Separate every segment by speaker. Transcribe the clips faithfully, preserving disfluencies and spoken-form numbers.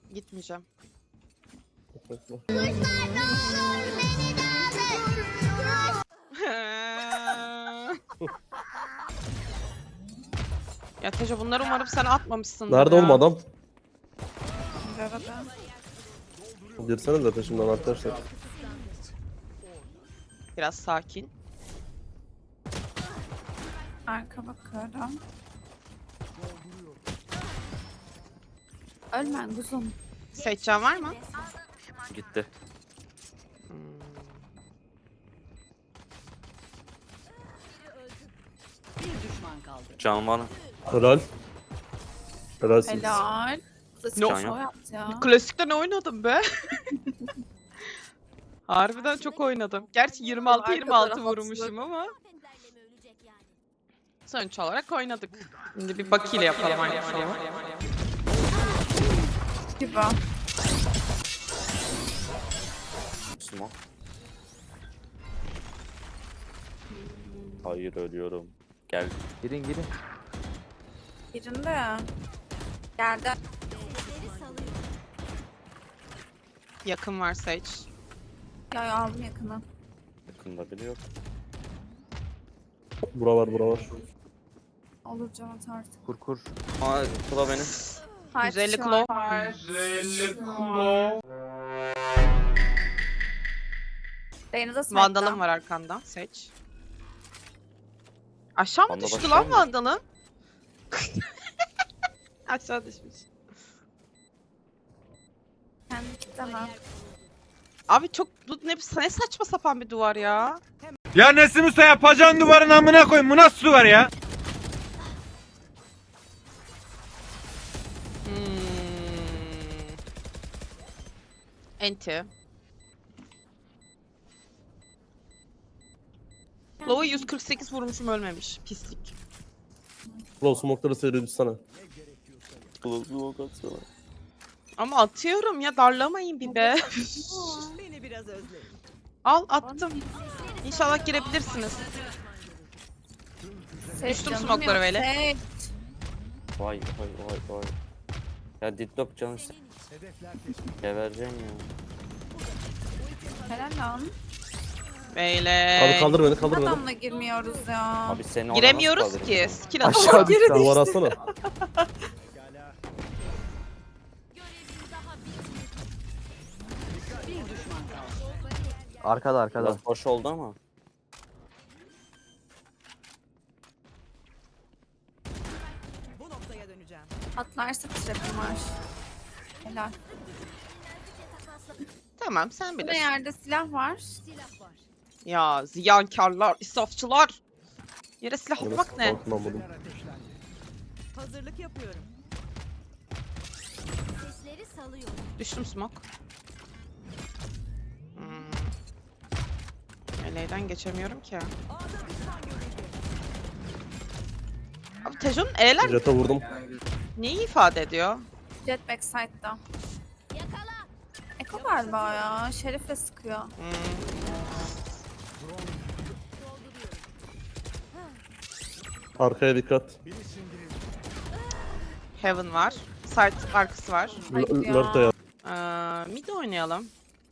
Speaker 1: Gitmeyeceğim. Ya Tejo, bunları umarım sen atmamışsındır.
Speaker 2: Nerede
Speaker 1: ya.
Speaker 2: oğlum adam?
Speaker 3: Arada.
Speaker 2: Girsene de peşimden arkadaşlar.
Speaker 1: Biraz sakin.
Speaker 3: Arka bakıyorum. Ölmen kuzum.
Speaker 1: Seçeceğin var mı?
Speaker 4: Gitti.
Speaker 1: Hmm.
Speaker 4: Can var.
Speaker 2: Helal. Helalsiniz.
Speaker 3: Helal. Klasik
Speaker 1: No.
Speaker 3: show yaptı ya.
Speaker 1: Klasikte ne oynadım be? Harbiden çok oynadım. Gerçi yirmi altı yirmi altı
Speaker 3: Arkada
Speaker 1: vurmuşum ama. Sonuç olarak oynadık. Şimdi bir Baki ile yapalım aynı şeyi.
Speaker 3: Gibi.
Speaker 4: Smoke. Hayır ölüyorum. Gel.
Speaker 5: Girin girin.
Speaker 3: Birinde ya. Geldi.
Speaker 1: Yakın var Sage.
Speaker 3: Ya aldım yakını.
Speaker 4: Yakında biri yok.
Speaker 2: Bura var bura var.
Speaker 3: Olur can at artık.
Speaker 5: Kur kur.
Speaker 4: Aa bu da benim.
Speaker 3: Kaç
Speaker 1: yüz elli
Speaker 3: kişi
Speaker 1: kilo.
Speaker 3: var? Dayınıza smackdown.
Speaker 1: Vandalım var arkanda Sage. Aşağı mı
Speaker 4: Vandal
Speaker 1: düştü
Speaker 4: aşağı
Speaker 1: lan
Speaker 4: mı?
Speaker 1: Vandal'ın? Aşağı düşmüş.
Speaker 3: Kendi kitleme.
Speaker 1: Abi çok bu ne, ne saçma sapan bir duvar ya.
Speaker 6: Ya Nesim Usta yapacağın duvarın amına koyayım. Bu nasıl duvar ya?
Speaker 1: Hmm. Enti. Low'a yüz kırk sekiz vurmuşum, ölmemiş. Pislik.
Speaker 2: Bro smoke'ları seyredip sana.
Speaker 4: Smoke atsana.
Speaker 1: Ama atıyorum ya, darlamayın bir be.
Speaker 7: Beni biraz özleyin.
Speaker 1: Al, attım. İnşallah girebilirsiniz.
Speaker 3: Sage
Speaker 1: Düştüm
Speaker 3: canım
Speaker 1: smoke'lara
Speaker 3: yok.
Speaker 1: böyle.
Speaker 3: Sage.
Speaker 4: Vay vay vay vay. Ya Didlock canı işte. Gebereceğim ya.
Speaker 3: Helal lan.
Speaker 1: Böyle.
Speaker 2: Abi kaldır beni kaldır beni.
Speaker 3: Adamla girmiyoruz ya.
Speaker 4: Abi seni orada
Speaker 1: Giremiyoruz
Speaker 4: nasıl
Speaker 1: ki.
Speaker 4: kaldıracağım?
Speaker 1: Skill atalım.
Speaker 5: Aşağı düştü.
Speaker 2: Duvar atsana.
Speaker 5: Arkada arkada.
Speaker 4: Biraz boş oldu ama.
Speaker 7: Bu noktaya döneceğim.
Speaker 3: Atlarsa trapim var. Helal.
Speaker 1: Tamam, sen
Speaker 3: Burada
Speaker 1: bilirsin.
Speaker 3: yerde silah var.
Speaker 1: Ya ziyankarlar, israfçılar. Yere silah
Speaker 2: Yine
Speaker 1: atmak ne?
Speaker 2: smoke'dan buldum.
Speaker 7: Hazırlık yapıyorum.
Speaker 8: Sesleri salıyor.
Speaker 1: Düştüm smoke. Hmm. Eleğden geçemiyorum ki. Abi Tejo'nun E'ler
Speaker 2: Jet'e vurdum.
Speaker 1: neyi ifade ediyor?
Speaker 3: Jet backside'da.
Speaker 8: Yakala.
Speaker 3: Eko galiba ya. Şerif'le sıkıyor.
Speaker 1: Hmm.
Speaker 2: Arkaya dikkat.
Speaker 1: Heaven var. Side arkası var.
Speaker 3: Hayır ya.
Speaker 2: Lurk da ya.
Speaker 1: Ee, mid oynayalım.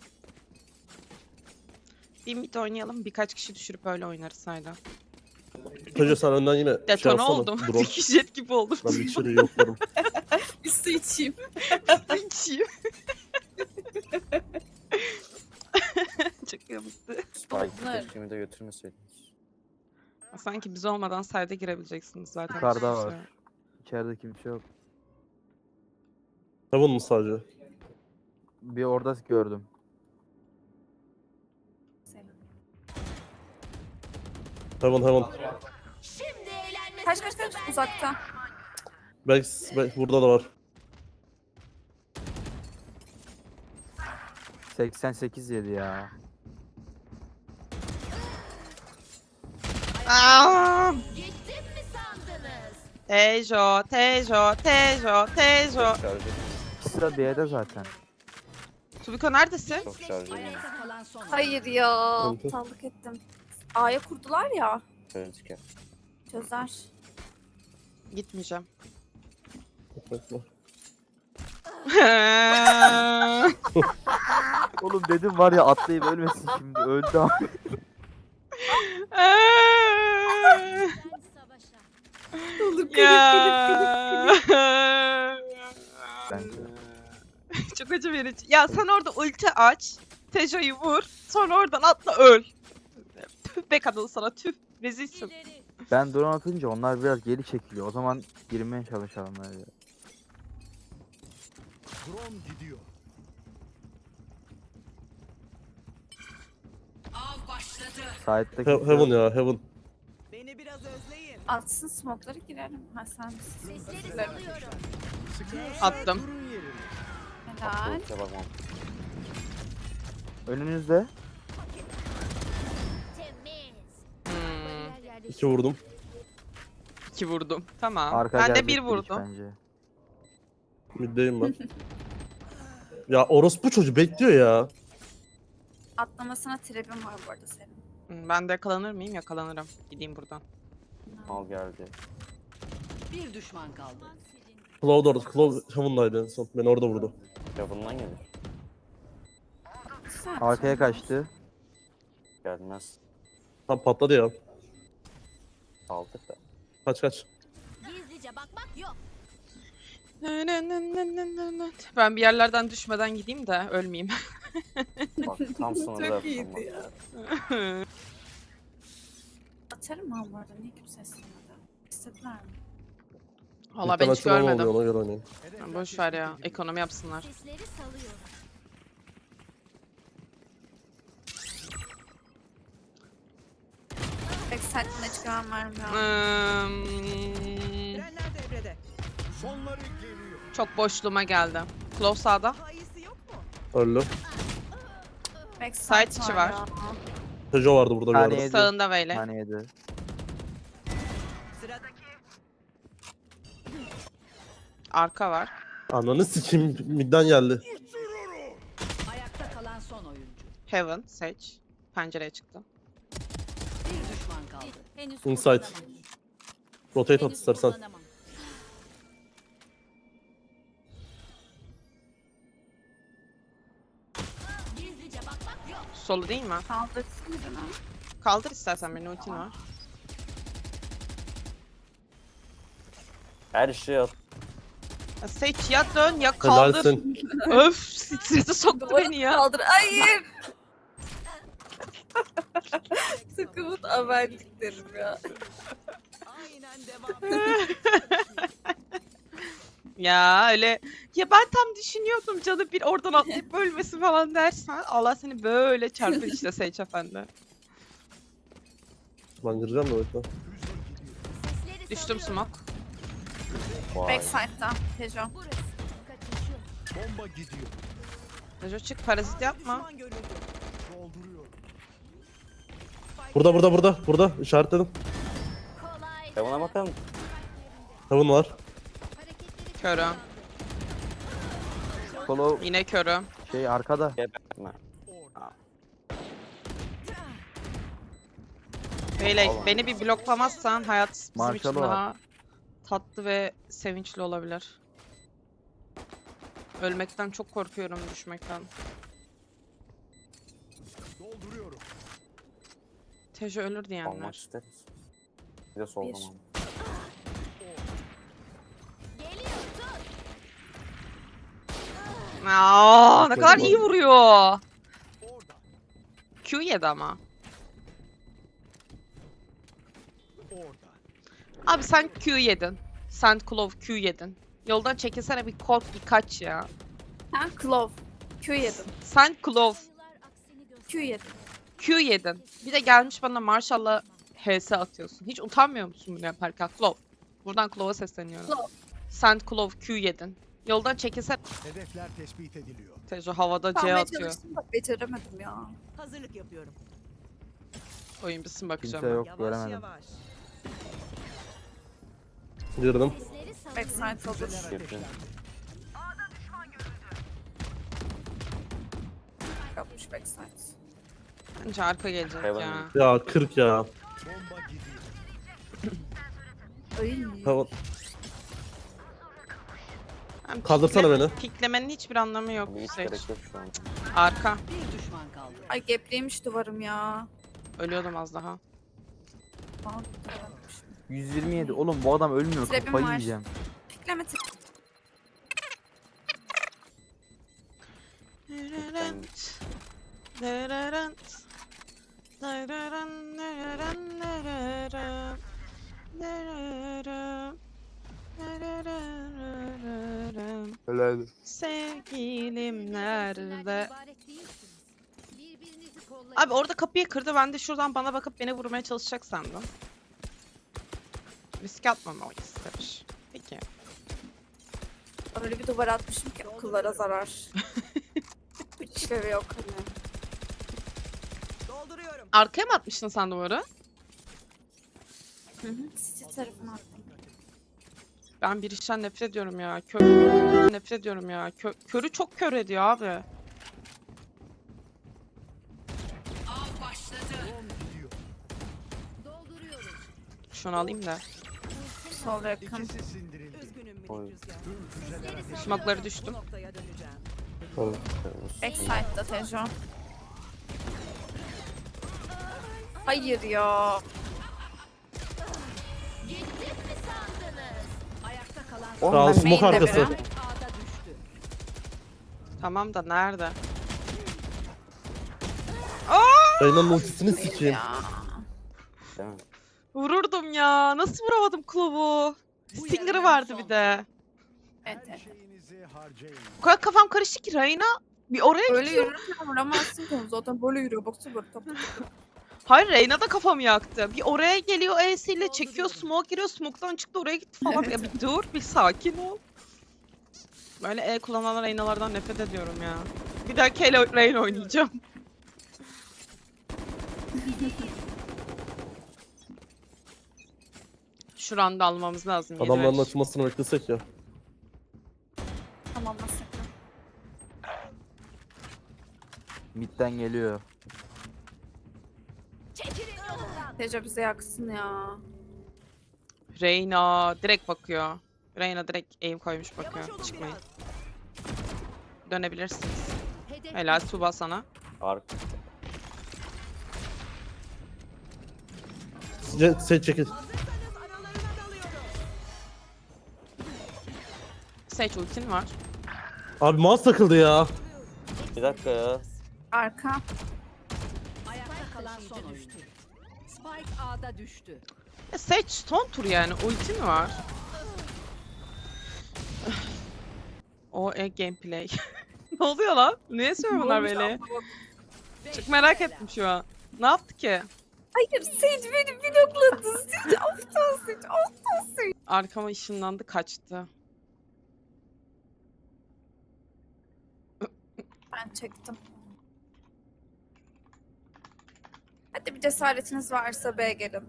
Speaker 1: Bir mid oynayalım. Birkaç kişi düşürüp öyle oynarız hayda.
Speaker 2: Tejo sen önden yine şey
Speaker 1: Detone
Speaker 2: atsana.
Speaker 1: oldum.
Speaker 2: Drone.
Speaker 1: Jet gibi oldum.
Speaker 2: Ben bir içeri yoklarım.
Speaker 3: Bir su içeyim.
Speaker 1: İçeyim. Çok yamuktu.
Speaker 3: Bunlar-
Speaker 4: Spike keşkemi de götürmeseydiniz.
Speaker 1: Sanki biz olmadan side'e girebileceksiniz zaten.
Speaker 5: Yukarıda
Speaker 1: Hiçbir
Speaker 5: var.
Speaker 1: şey yok.
Speaker 5: İçeride kimse yok.
Speaker 2: Heaven mı sadece?
Speaker 5: Bir orada gördüm.
Speaker 2: Heaven Heaven.
Speaker 8: Şimdi eğlenme
Speaker 3: Kaç kaç kaç uzakta.
Speaker 2: Belki, belki burada da var.
Speaker 5: seksen sekiz yedi ya.
Speaker 1: Aa!
Speaker 8: Gittim mi sandınız?
Speaker 1: Tejo, Tejo, Tejo, Tejo.
Speaker 4: Çok şarj edeyim.
Speaker 5: İkisi de B'de zaten.
Speaker 1: Tubiko neredesin?
Speaker 4: Çok şarj edeyim.
Speaker 7: Ayakta kalan son.
Speaker 3: Hayır ya.
Speaker 2: Hı hı.
Speaker 3: Aptallık ettim. A'ya kurdular ya.
Speaker 4: Şöyle çıkar.
Speaker 3: Çözer.
Speaker 1: Gitmeyeceğim.
Speaker 2: Bekle.
Speaker 5: Oğlum dedim var ya atlayıp ölmesin şimdi. Öldü ama.
Speaker 8: Ben savaşa.
Speaker 3: Olur
Speaker 1: Ya.
Speaker 5: Bence.
Speaker 1: Çok acı verici. Ya sen orada ulti aç. Tejo'yu vur. Sonra oradan atla öl. Tüh be kadın sana tüh. Rezilsin.
Speaker 8: İleri.
Speaker 5: Ben drone atınca onlar biraz geri çekiliyor. O zaman girmeye çalışalım öyle. Side'da
Speaker 2: He- Heaven ya Heaven.
Speaker 7: Beni biraz özleyin.
Speaker 3: Atsın smoke'ları girelim. Ha sen
Speaker 8: Sesleri salıyorum.
Speaker 1: Attım.
Speaker 3: helal.
Speaker 4: Ultiye bakmam.
Speaker 5: önünüzde.
Speaker 8: Temiz.
Speaker 1: Hmm,
Speaker 8: Bariyer yerleşti.
Speaker 2: İki vurdum.
Speaker 1: iki vurdum. Tamam.
Speaker 5: Arka
Speaker 1: ben de
Speaker 5: gelecek
Speaker 1: bir
Speaker 5: hiç
Speaker 1: vurdum.
Speaker 5: Bence.
Speaker 2: Middeyim ben. Ya orospu çocuğu bekliyor ya.
Speaker 3: Atlamasına trap'im var bu arada senin.
Speaker 1: Hmm, Ben de yakalanır mıyım? Yakalanırım. Gideyim buradan.
Speaker 4: Mal geldi.
Speaker 7: Bir düşman kaldı.
Speaker 2: Claw da orada. Claw Heaven'daydı en son. Beni orada vurdu.
Speaker 4: Ya bundan gelir.
Speaker 3: Güzel.
Speaker 5: Arkaya kaçtı.
Speaker 4: Gelmez.
Speaker 2: Tam patladı ya.
Speaker 4: Aldık da.
Speaker 2: Kaç kaç.
Speaker 8: Gizlice bakmak yok.
Speaker 1: Ben bir yerlerden düşmeden gideyim de ölmeyeyim.
Speaker 4: Bak tam sınırda
Speaker 3: Çok
Speaker 4: yaptım
Speaker 3: iyiydi
Speaker 4: bak.
Speaker 3: ya. Atarım ha bu arada. Niye kimse istemedi? İstediler mi?
Speaker 1: Valla ben hiç
Speaker 2: Muhtemelen açılan
Speaker 1: görmedim.
Speaker 2: olmuyor, ona göre oynayın.
Speaker 1: Boş ver ya. Ekonomi yapsınlar.
Speaker 8: Sesleri salıyorum.
Speaker 3: Backside'ına çıkan vermiyor.
Speaker 1: Hmm,
Speaker 7: Trenler devrede.
Speaker 1: çok boşluğuma geldi. Claw sağda.
Speaker 7: Daha iyisi yok mu?
Speaker 2: Öldü.
Speaker 3: Backside
Speaker 1: Side içi var.
Speaker 3: ya.
Speaker 2: Tejo vardı burada bir
Speaker 5: Hani
Speaker 2: yerde.
Speaker 5: yedi.
Speaker 1: Sağında böyle.
Speaker 5: Hani yedi.
Speaker 7: Sıradaki.
Speaker 1: Arka var.
Speaker 2: Ananı sikeyim midden geldi.
Speaker 7: Ayakta kalan son oyuncu.
Speaker 1: Heaven, Sage. Pencereye çıktı.
Speaker 7: Bir düşman kaldı.
Speaker 8: Henüz
Speaker 2: Inside.
Speaker 8: kullanamam.
Speaker 2: Rotate at
Speaker 8: Henüz
Speaker 2: istersen.
Speaker 8: kullanamam. Gizlice bakmak yok.
Speaker 1: Solu değil mi?
Speaker 3: Kaldırsın birini.
Speaker 1: Kaldır istersen benim ultin var.
Speaker 4: Her şey at.
Speaker 1: Ya Sage ya dön ya kaldır.
Speaker 2: Helalsin.
Speaker 1: Öf, strese soktu beni ya.
Speaker 3: Kaldır. Hayır. Takımın haberliklerim ya.
Speaker 7: Aynen devam.
Speaker 1: Ya öyle ya ben tam düşünüyordum canı bir oradan atlayıp ölmesi falan dersen Allah seni böyle çarpır işte Sage efendi.
Speaker 2: Ben gireceğim de bekle.
Speaker 8: Sesleri
Speaker 1: Düştüm
Speaker 8: salıyorum.
Speaker 1: smoke.
Speaker 4: Vay.
Speaker 3: Backside'da. Tejo.
Speaker 8: Burası. Kaçış yok.
Speaker 1: Neco çık parazit yapma.
Speaker 7: Düşman görüldü.
Speaker 2: Burada burada burada. Burada işaretledim.
Speaker 8: Kolay.
Speaker 4: Ya buna bakalım.
Speaker 2: Heaven var.
Speaker 8: Hareketleri
Speaker 1: Körüm.
Speaker 5: Solo
Speaker 1: Yine körüm.
Speaker 5: şey arkada.
Speaker 4: Gebertme.
Speaker 1: Beyley
Speaker 4: Allah'ım.
Speaker 1: beni bir bloklamazsan hayat bizim için
Speaker 5: Marshall'ı var.
Speaker 1: daha tatlı ve sevinçli olabilir. Ölmekten çok korkuyorum düşmekten. Tejo ölür
Speaker 4: Almak
Speaker 1: diyenler.
Speaker 4: isteriz. Bir de soldan
Speaker 3: Bir.
Speaker 4: al.
Speaker 8: geliyor. Tut.
Speaker 1: Aa, ne kadar iyi vuruyor. Q yedi ama. Abi sen Q yedin. Sen Clove Q yedin. Yoldan çekilsene bir kork bir kaç ya.
Speaker 3: Sen Clove. Q yedin.
Speaker 1: Sen Clove
Speaker 8: Sayılar aksini gösteriyor.
Speaker 3: Q yedin.
Speaker 1: Q yedin. Bir de gelmiş bana Marshall'la H S atıyorsun. Hiç utanmıyor musun bunu yaparken? Clove. Buradan Clove'a sesleniyorum.
Speaker 3: Clove.
Speaker 1: Sen Clove Q yedin. Yoldan çekilsene.
Speaker 6: Hedefler tespit ediliyor.
Speaker 1: Tejo havada C
Speaker 3: Kalmaya
Speaker 1: atıyor.
Speaker 3: çalıştım da beceremedim ya.
Speaker 7: Hazırlık yapıyorum.
Speaker 1: Oyun bitsin bakacağım.
Speaker 5: Kimse yok
Speaker 7: Yavaş
Speaker 5: göremedim.
Speaker 7: yavaş.
Speaker 2: Girdim.
Speaker 8: Sesleri salıyorum.
Speaker 3: Backside olur.
Speaker 4: Girdin.
Speaker 3: Yapmış backside.
Speaker 1: Bence arka gelecek
Speaker 4: Heaven.
Speaker 1: ya.
Speaker 2: Ya kırk ya.
Speaker 6: Bomba gidiyor.
Speaker 3: Ay.
Speaker 2: Heaven.
Speaker 1: Yani
Speaker 2: Kaldırsana
Speaker 1: pikle-
Speaker 2: beni.
Speaker 1: Piklemenin hiçbir anlamı yok.
Speaker 4: Bir hiç
Speaker 1: Seç.
Speaker 4: gerek yok şu an.
Speaker 1: Arka.
Speaker 7: Bir düşman kaldı.
Speaker 3: Ay gepliymiş duvarım ya.
Speaker 1: Ölüyordum az daha.
Speaker 3: Aa, duvaramışım.
Speaker 5: yüz yirmi yedi. Oğlum bu adam ölmüyor.
Speaker 3: Trap'im
Speaker 5: Kafayı
Speaker 3: var.
Speaker 5: yiyeceğim.
Speaker 3: Pikleme tık.
Speaker 5: Helal.
Speaker 1: Sevgilim nerede?
Speaker 8: ibaret değilsiniz. Birbirinizi kollayın.
Speaker 1: Abi orada kapıyı kırdı. Ben de şuradan bana bakıp beni vurmaya çalışacak sandım. Risk atmamalıyız tabii. Peki.
Speaker 3: Öyle bir duvar atmışım ki akıllara zarar. Hiç işlevi yok hani.
Speaker 7: Dolduruyorum.
Speaker 1: Arkaya mı atmıştın sen duvarı?
Speaker 3: Hı hı. City tarafına attım.
Speaker 1: Ben bir işten nefret ediyorum ya. Kör nefret ediyorum ya. Kö körü çok kör ediyor abi.
Speaker 7: Av başladı.
Speaker 8: Dolduruyorum.
Speaker 1: Şunu alayım da.
Speaker 3: Sol yakın.
Speaker 7: Üzgünüm minik
Speaker 4: Oy.
Speaker 7: rüzgar.
Speaker 1: Smoke'ları
Speaker 7: Bu
Speaker 1: düştüm.
Speaker 7: noktaya döneceğim.
Speaker 2: Tamam.
Speaker 3: Backside'da Tejo. Hayır ya.
Speaker 8: Gittim mi sandınız?
Speaker 7: Ayakta kalan
Speaker 5: Oğlum
Speaker 2: Sağ ol,
Speaker 5: ben
Speaker 2: smoke
Speaker 3: main'de
Speaker 2: arkası.
Speaker 3: biri.
Speaker 7: Spike A'da düştü.
Speaker 1: Tamam da nerede?
Speaker 2: Reyna'nın ultisini sikeyim.
Speaker 3: Ya.
Speaker 4: Değil mi?
Speaker 1: Vururdum ya. Nasıl vuramadım Klov'u? Stinger'ı vardı bir de.
Speaker 3: Evet, evet.
Speaker 1: O kadar kafam karıştı ki Reyna bir oraya
Speaker 3: Böyle
Speaker 1: gidiyor.
Speaker 3: yürürken vuramazsın ki onu zaten böyle yürüyor. Baksana böyle top.
Speaker 1: Hayır Reyna da kafamı yaktı. Bir oraya geliyor E'siyle çekiyor smoke giriyor smoke'dan çıktı oraya gitti falan. Ya bir dur bir sakin ol. Böyle E kullanan Reyna'lardan nefret ediyorum ya. Bir dahaki ele Reyna oynayacağım. Şu randa almamız lazım. yedi
Speaker 2: Adamların
Speaker 1: beş.
Speaker 2: açılmasını beklesek ya.
Speaker 3: Tamam nasıl?
Speaker 5: Midden geliyor.
Speaker 8: Çekilin yolumdan.
Speaker 3: Tejo bize yaksın ya.
Speaker 1: Reyna direkt bakıyor. Reyna direkt aim koymuş bakıyor.
Speaker 7: Yavaş olun
Speaker 1: Çıkmayın.
Speaker 7: biraz.
Speaker 1: Dönebilirsiniz.
Speaker 8: Hedef
Speaker 1: Helal Tuba sana.
Speaker 4: Ark.
Speaker 2: Ce- Seç çekil.
Speaker 1: Sage ultin var.
Speaker 2: Abi mouse takıldı ya.
Speaker 4: Bir dakika ya.
Speaker 3: Arka.
Speaker 7: Ayakta kalan son oyuncu. Spike A'da düştü.
Speaker 1: E, Sage son tur yani. Ulti mi var? O e gameplay. Ne oluyor lan? Niye söylüyor bunlar böyle? Çok merak ettim şu an. Ne yaptı ki?
Speaker 3: Hayır Sage beni blokladı. Sage aptal Sage aptal Sage.
Speaker 1: Arkama ışınlandı kaçtı.
Speaker 3: Ben çektim. Hadi bir cesaretiniz varsa B'ye gelin.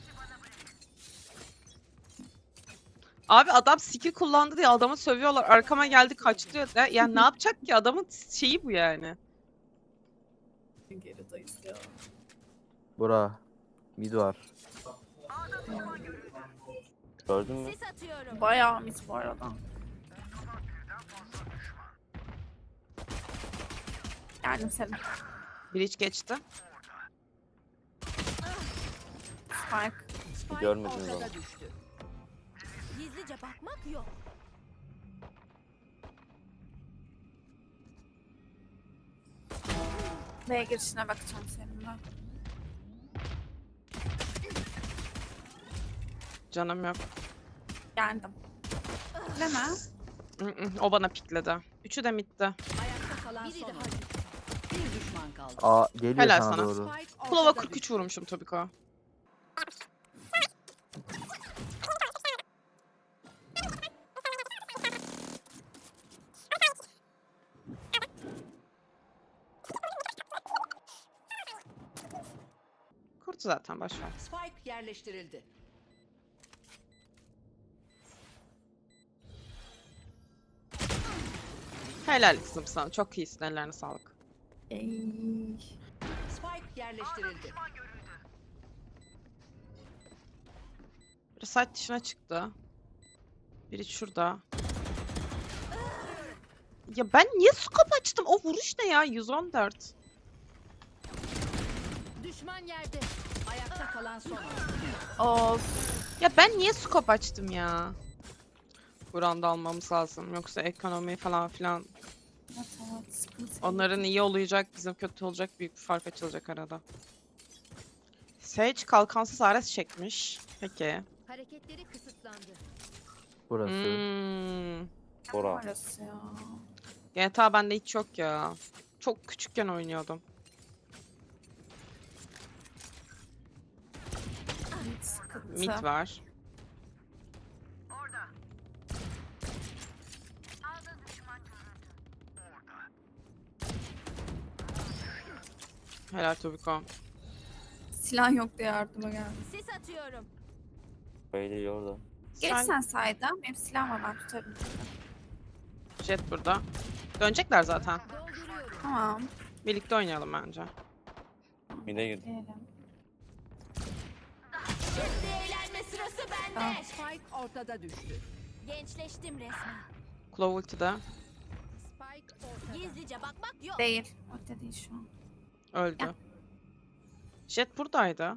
Speaker 1: Abi adam skill kullandı diye adamı sövüyorlar. Arkama geldi kaçtı diyor. Ya, yani ne yapacak ki? Adamın şeyi bu yani.
Speaker 3: Gerideyiz ya.
Speaker 5: Bura. Mid var.
Speaker 4: Gördün mü?
Speaker 8: sis atıyorum.
Speaker 3: Bayağı mis bu arada. Geldim senin.
Speaker 1: Breach geçti.
Speaker 3: Spike.
Speaker 7: Spike
Speaker 4: Görmediniz
Speaker 7: ortada
Speaker 4: onu.
Speaker 7: düştü.
Speaker 8: Gizlice bakmak yok.
Speaker 3: B'ye girişine bakacağım seninle.
Speaker 1: Canım yok.
Speaker 3: Geldim. Değil mi?
Speaker 1: Mm-mm, o bana pikledi. Üçü de midde.
Speaker 7: Ayakta kalan
Speaker 8: Biri
Speaker 7: son
Speaker 8: daha.
Speaker 7: oyuncu. Bir düşman kaldı.
Speaker 5: Aa geliyor
Speaker 1: Helal
Speaker 5: sana,
Speaker 1: sana.
Speaker 5: doğru.
Speaker 7: Spike
Speaker 1: Klova
Speaker 7: ortada
Speaker 1: kırk üç
Speaker 7: düştü.
Speaker 1: vurmuşum Tobiko. Kurtu zaten boşver.
Speaker 7: Spike yerleştirildi.
Speaker 1: Helal kızım sana. Çok iyisin. Ellerine sağlık.
Speaker 3: Ey.
Speaker 7: Spike yerleştirildi.
Speaker 1: Biri site dışına çıktı. Biri şurada. Ya ben niye scope açtım? O vuruş ne ya? yüz on dört.
Speaker 8: Düşman yerde.
Speaker 7: Ayakta kalan son oyuncu.
Speaker 3: Of.
Speaker 1: Ya ben niye scope açtım ya? Buranda almamız lazım. Yoksa ekonomi falan filan.
Speaker 3: Evet, evet, sıkıntı.
Speaker 1: Onların iyi olacak, bizim kötü olacak. Büyük bir fark açılacak arada. Sage kalkansız Ares çekmiş. Peki.
Speaker 8: Hareketleri kısıtlandı.
Speaker 5: Burası.
Speaker 1: Hmm.
Speaker 4: Bora.
Speaker 3: Orası ya.
Speaker 1: G T A bende hiç yok ya. Çok küçükken oynuyordum.
Speaker 3: Evet, sıkıntı.
Speaker 1: Mid var. Helal Tobiko.
Speaker 3: Silah yok diye yardıma geldim.
Speaker 8: Sis atıyorum.
Speaker 4: Böyle orada.
Speaker 3: Geç
Speaker 1: Sen
Speaker 3: sen sayda. Benim silahım var, ben tutarım.
Speaker 1: Jet burada. Dönecekler zaten.
Speaker 8: Dolduruyorum.
Speaker 3: Tamam.
Speaker 1: Birlikte oynayalım bence.
Speaker 4: Mide girdi.
Speaker 3: Diyelim.
Speaker 8: Şimdi eğlenme sırası bende.
Speaker 7: Spike ortada düştü.
Speaker 8: Gençleştim resmen.
Speaker 1: Claw ultide.
Speaker 7: Spike ortada.
Speaker 8: Gizlice bakmak yok.
Speaker 3: Değil. Orada değil şu an.
Speaker 1: Öldü. Jet buradaydı.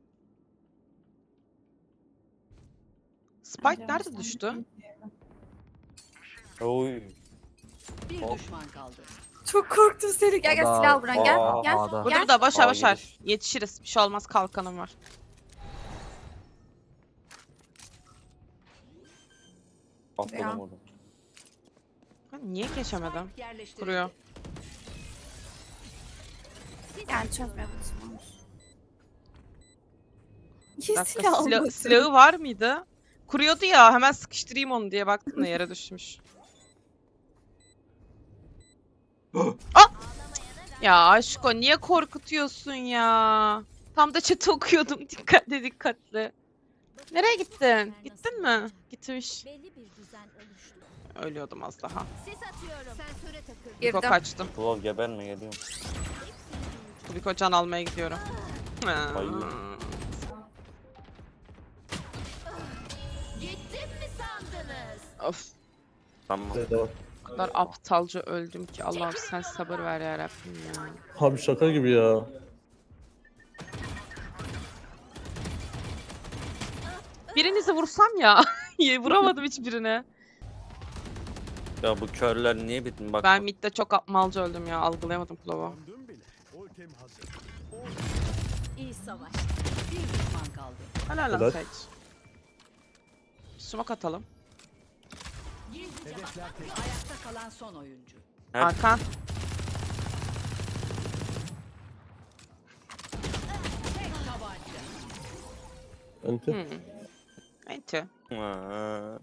Speaker 1: Spike
Speaker 3: Bence
Speaker 1: nerede
Speaker 3: baştan
Speaker 1: düştü?
Speaker 3: bilmiyorum.
Speaker 4: Oy.
Speaker 7: Bir
Speaker 4: Hop.
Speaker 7: düşman kaldı.
Speaker 3: Çok korktum seni. Gel gel
Speaker 5: Ada-
Speaker 3: silah al Buran. Gel.
Speaker 4: Aa,
Speaker 3: Gel.
Speaker 5: Ada.
Speaker 1: Burada
Speaker 3: Gel.
Speaker 1: burada boşver
Speaker 4: Aa,
Speaker 1: boşver.
Speaker 4: geliş.
Speaker 1: Yetişiriz. Bir şey olmaz, kalkanım var.
Speaker 4: Atladım orada.
Speaker 1: Ben niye geçemedim?
Speaker 7: Spike yerleştirildi.
Speaker 1: Kuruyor.
Speaker 3: Yani çözmeye basmamış.
Speaker 1: Bir
Speaker 3: Niye
Speaker 1: dakika,
Speaker 3: silah
Speaker 1: sila-
Speaker 3: almadın?
Speaker 1: silahı var mıydı? Kuruyordu ya, hemen sıkıştırayım onu diye baktım da yere düşmüş. Ah! Ya aşko niye korkutuyorsun ya? Tam da chat'i okuyordum dikkatli dikkatli. Nereye gittin? Gittin mi? Gitmiş.
Speaker 8: Belli bir düzen oluştu.
Speaker 1: Ölüyordum az daha.
Speaker 8: Sis atıyorum. Sensöre takıldım.
Speaker 1: Biko
Speaker 3: Girdim.
Speaker 1: kaçtım.
Speaker 4: Klov geberme geliyorum.
Speaker 1: Biko can almaya gidiyorum.
Speaker 4: Ay.
Speaker 8: Gittim mi sandınız?
Speaker 1: Of.
Speaker 2: Evet,
Speaker 4: Tamam.
Speaker 2: devam.
Speaker 1: O kadar aptalca öldüm ki Allah'ım sen sabır ver ya Rabbim ya.
Speaker 2: Abi şaka gibi ya.
Speaker 1: Birinizi vursam ya. Vuramadım hiçbirine.
Speaker 4: Ya bu körler niye bittin bak.
Speaker 1: Ben midde çok apmalca öldüm ya. Algılayamadım Klov'u.
Speaker 8: İyi savaş.
Speaker 7: Bir düşman kaldı.
Speaker 1: Helal lan
Speaker 2: Helal.
Speaker 1: Sage. Smoke atalım.
Speaker 8: Gizlice bakmak yok.
Speaker 7: Ayakta kalan son oyuncu.
Speaker 4: Evet.
Speaker 1: Arkan.
Speaker 7: Tek tabanca.
Speaker 2: Enti.
Speaker 1: Hmm. Enti.
Speaker 4: Ha,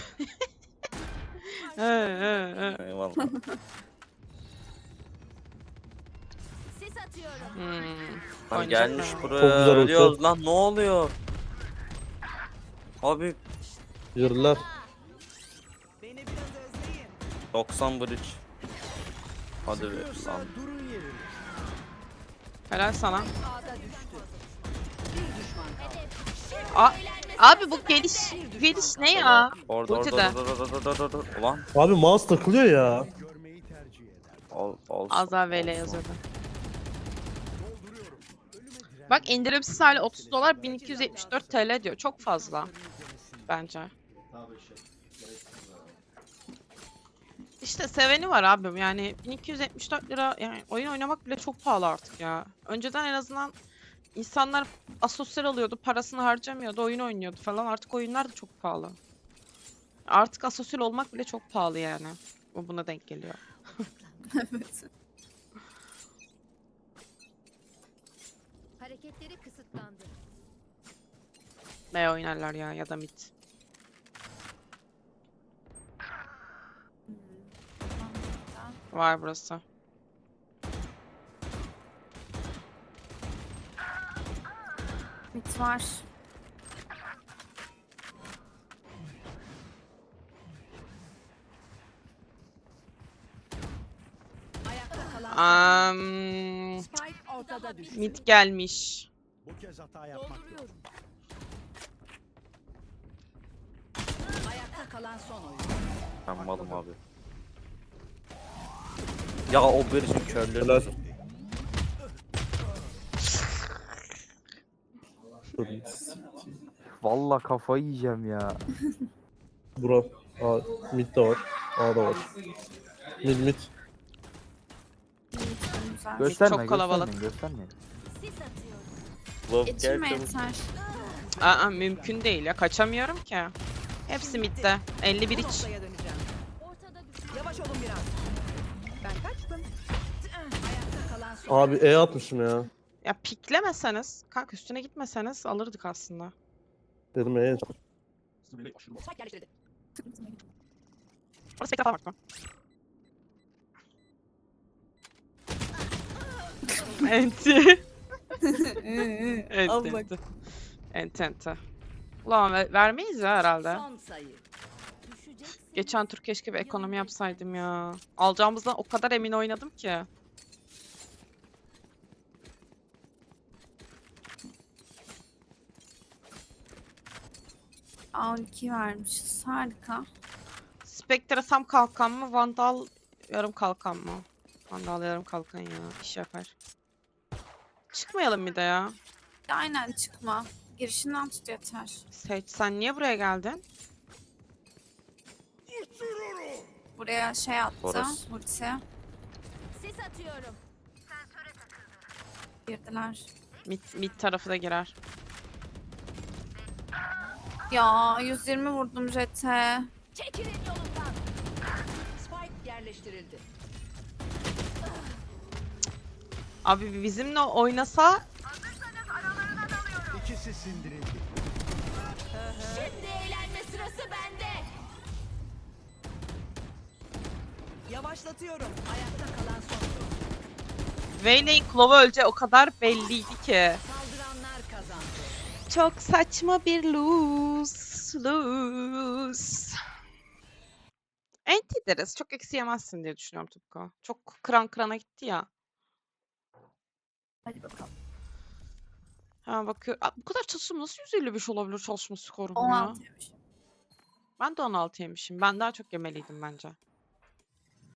Speaker 1: He, he, he.
Speaker 4: Eyvallah.
Speaker 8: Sis atıyorum.
Speaker 1: Hmm.
Speaker 4: Lan
Speaker 1: Oynayacak
Speaker 4: gelmiş
Speaker 1: mı?
Speaker 4: buraya.
Speaker 2: Çok güzel ulti.
Speaker 4: Ölüyoruz lan ne oluyor? Abi
Speaker 2: Yürüler.
Speaker 4: doksan bridge. Hadi be lan.
Speaker 1: Helal sana.
Speaker 7: A'da düştü. Bir düşman kaldı.
Speaker 1: A Abi bu geliş geliş ne ya?
Speaker 4: Orada
Speaker 1: Ulti
Speaker 4: orada
Speaker 1: de.
Speaker 4: orada orada orada orada orada. Ulan.
Speaker 2: Abi mouse takılıyor ya.
Speaker 4: Al, al,
Speaker 1: Az daha V L yazıyordu. Bak indirimsiz hali otuz dolar bin iki yüz yetmiş dört T L diyor. Çok fazla. Bence. İşte seveni var abim yani bin iki yüz yetmiş dört lira yani oyun oynamak bile çok pahalı artık ya. Önceden en azından insanlar asosyal oluyordu, parasını harcamıyordu, oyun oynuyordu falan. Artık oyunlar da çok pahalı. Artık asosyal olmak bile çok pahalı yani. Bu buna denk geliyor.
Speaker 3: Evet.
Speaker 8: Hareketleri kısıtlandı.
Speaker 1: B oynarlar ya ya da mid. Var burası.
Speaker 3: Mit var.
Speaker 7: Ayakta kalan
Speaker 1: Um,
Speaker 7: Spike ortada düştü.
Speaker 1: mid gelmiş.
Speaker 8: Dolduruyorum.
Speaker 7: Ayakta kalan son oyuncu.
Speaker 4: Ben malım abi. Ya o birisinin körleri.
Speaker 2: Helal. Dur.
Speaker 5: Vallahi kafayı yiyeceğim ya.
Speaker 2: Bura. A, mid de var. A da var. Mid mid.
Speaker 3: Güzel.
Speaker 5: Gösterme,
Speaker 1: Çok kalabalık.
Speaker 5: göstermeyin, göstermeyin.
Speaker 8: Sis atıyorum.
Speaker 4: Love gel
Speaker 3: Geçirme
Speaker 4: çabuk.
Speaker 3: yeter.
Speaker 1: Aa, mümkün değil ya. Kaçamıyorum ki. Hepsi midde. elli bir
Speaker 7: Bu
Speaker 1: iç.
Speaker 7: noktaya döneceğim.
Speaker 8: Ortada düşman.
Speaker 7: Yavaş olun biraz. Ben kaçtım. Ayakta kalan son.
Speaker 2: Abi E atmışım ya.
Speaker 1: Ya piklemeseniz, kanka üstüne gitmeseniz alırdık aslında.
Speaker 2: Dedim E.
Speaker 7: Spike yerleştirildi.
Speaker 1: Orası spektre falan bakma. Enti.
Speaker 3: Al
Speaker 1: Enti,
Speaker 3: bak.
Speaker 1: enti. Enti, enti. Ulan ver- vermeyiz ya herhalde.
Speaker 7: Son sayı.
Speaker 8: Düşeceksin.
Speaker 1: Geçen tur keşke bir ekonomi yapsaydım ya. Alacağımızdan o kadar emin oynadım ki.
Speaker 3: A on iki vermişiz. Harika.
Speaker 1: Spectre tam kalkan mı? Vandal yarım kalkan mı? Vandal yarım kalkan ya. İş yapar. Çıkmayalım bir de ya.
Speaker 3: Aynen çıkma. Girişinden tut yeter.
Speaker 1: Sage sen niye buraya geldin?
Speaker 3: Buraya şey attı.
Speaker 4: Orası.
Speaker 3: Ulti.
Speaker 8: Sis atıyorum.
Speaker 3: Girdiler.
Speaker 1: Mid, mid tarafı da girer.
Speaker 3: Ya yüz yirmi vurdum jete.
Speaker 8: Çekilin yolumdan.
Speaker 7: Spike yerleştirildi.
Speaker 1: Abi bizimle oynasa
Speaker 8: Şimdi eğlenme sırası bende.
Speaker 7: Yavaşlatıyorum. Ayakta kalan son.
Speaker 1: Vayne'in Clove'a öleceği o kadar belliydi ki.
Speaker 7: Saldıranlar kazandı.
Speaker 1: Çok saçma bir lose. Lose. Enti deriz. Çok eksi yemezsin diye düşünüyorum Tupko. Çok kıran kırana gitti ya.
Speaker 3: Hadi bakalım.
Speaker 1: Ha bakıyor. Aa, bu kadar çalışım nasıl yüz elli beş olabilir çalışma skorum
Speaker 3: on
Speaker 1: ya?
Speaker 3: altıymış.
Speaker 1: Ben de on altı yemişim. Ben daha çok yemeliydim bence.